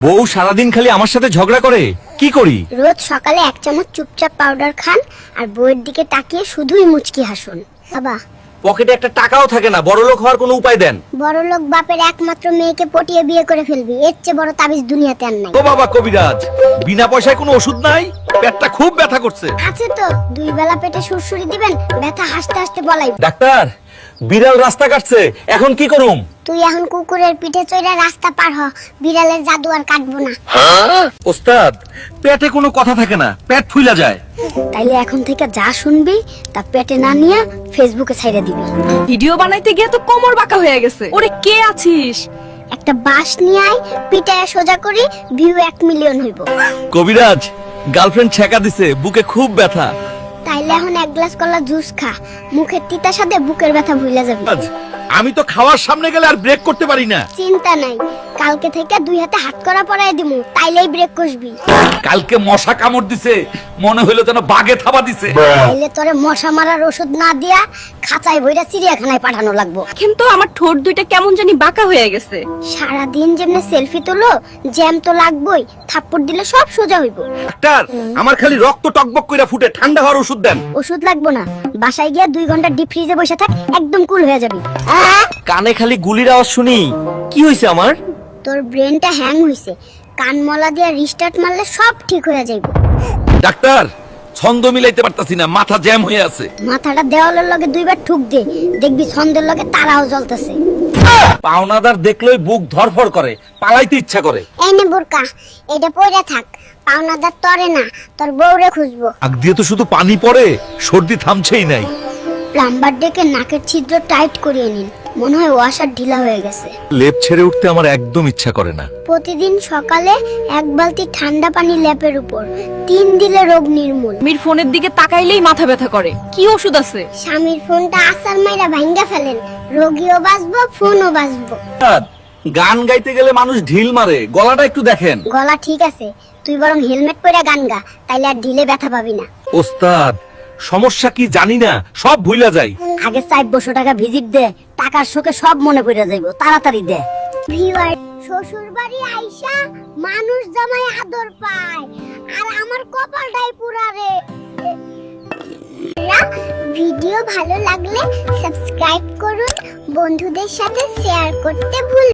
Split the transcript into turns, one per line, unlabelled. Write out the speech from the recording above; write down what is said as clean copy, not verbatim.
বউ সারাদিন খালি আমার সাথে ঝগড়া করে, কি করি?
রোজ সকালে 1 চামচ চুপচাপ পাউডার খান আর বউয়ের দিকে তাকিয়ে শুধুই মুচকি হাসুন। বাবা,
পকেটে একটা টাকাও থাকে না, বড়লোক হওয়ার কোনো উপায় দেন।
বড়লোক বাপের একমাত্র মেয়েকে পটিয়ে বিয়ে করে ফেলবি, এর চেয়ে বড় তাবিজ দুনিয়াতে আর নাই।
ও বাবা কবিরাজ, বিনা পয়সায় কোনো ওষুধ নাই? পেটটা খুব ব্যথা করছে।
আছে তো, 2 বেলা পেটে সুরসুরি দিবেন, ব্যথা হাসতে হাসতে বলাই।
ডাক্তার, বিড়াল রাস্তা কাটছে, এখন কি করুম?
তুই এখন কুকুরের পিঠে চড়ে রাস্তা পার হ, বিড়ালের জাদু আর কাটবো না।
ওস্তাদ, পেটে কোনো কথা থাকে না, পেট ফুইলা যায়।
তাইলে এখন থেকে যা শুনবি তা পেটে না নিয়ে ফেসবুকে ছাইড়া দিবি।
ভিডিও বানাইতে গিয়ে তো কোমর বাঁকা হয়ে গেছে। ওরে কে আছিস?
একটা বাঁশ নিয়ে আয়, পিটায় সোজা করি, ভিউ 1 মিলিয়ন হইব।
কবিরাজ, গার্লফ্রেন্ড ছেকা দিছে, বুকে খুব ব্যথা।
তাইলে এখন 1 গ্লাস কলা জুস খা, মুখের তিতার সাথে বুকের ব্যথা ভুলে যাবি।
আমি তো খাওয়ার সামনে গেলে আর ব্রেক করতে পারি না।
চিন্তা নাই, কালকে থেকে 2 হাতে হাত করা পরায় দিমু, তাইলেই ব্রেক কষবি।
কালকে মশা কামড় দিছে, মনে হইলো যেন বাগে থাবা দিছে।
তাইলে তোরে মশা মারার ওষুধ না দিয়া খাঁচায় ভইরা চিড়িয়াখানায় পাঠানো লাগবো।
কিন্তু আমার ঠোঁট দুইটা কেমন জানি বাঁকা হয়ে গেছে।
সারাদিন যেমনে সেলফি তোলো, জ্যাম তো লাগবই, থাপ্পড় দিলে সব সোজা হইব।
ডাক্তার, আমার খালি রক্ত টকবক কইরা ফুটে, ঠান্ডা হওয়ার ওষুধ দেন।
ওষুধ লাগবো না, বাসায় গিয়া 2 ঘন্টা ডিপ ফ্রিজে বসে থাক, একদম কুল হয়ে যাবি।
কানে খালি গুলির আওয়াজ শুনি, কি হইছে আমার?
তোর ব্রেনটা হ্যাং হইছে, কান মলা দিয়া রিস্টার্ট মারলে সব ঠিক হয়ে যাইব।
ডাক্তার, ছন্দ মিলাইতে পারতাছি না, মাথা জ্যাম হয়ে আছে।
মাথাটা দেওয়ালের লগে 2 বার ঠুক দে, দেখবি ছন্দের লগে তারাও জ্বলতেছে।
পাওনাদার দেখলেই বুক ধরফর করে, পালাইতে ইচ্ছা করে।
এই নে বোরকা, এটা পইরা থাক, পাওনাদার তরে না, তোর বউরে খুঁজবো।
আগ দিয়ে তো শুধু পানি পড়ে, সর্দি থামছেই নাই।
প্লাম্বার ডেকে নাকের ছিদ্র টাইট করিয়ে নিন, মনে হয় ওয়াশার ঢিলা হয়ে গেছে।
লেপ ছেড়ে উঠতে আমার একদম ইচ্ছা করে না।
প্রতিদিন সকালে 1 বালতি ঠান্ডা পানি লেপের উপর, 3 দিলে রোগ নির্মূল।
মির ফোনের দিকে তাকাইলেই মাথা ব্যথা করে। কি ওষুধ আছে?
স্বামীর ফোনটা আসার মাইরা ভাঙ্গা ফেলেন, রোগীও বাঁচবো, ফোনও বাঁচবো।
গান গাইতে গেলে মানুষ ঢিল মারে, গলাটা একটু দেখেন।
গলা ঠিক আছে, তুই বরং হেলমেট পরে গান গা, তাইলে আর ঢিলে ব্যথা পাবি না।
ওস্তাদ, সমস্যা কি জানি না, সব ভুইলা যাই।
আগে 400 টাকা ভিজিট দে, টাকার শোকে সব মনে পড়ে যাইবো, তাড়াতাড়ি দে। ভিউয়ার, শ্বশুর বাড়ি আইসা মানুষ জামাই আদর পায়, আর আমার কপালটাই পুরা রে। ভিডিও ভালো লাগলে সাবস্ক্রাইব করুন, বন্ধুদের সাথে শেয়ার করতে ভুল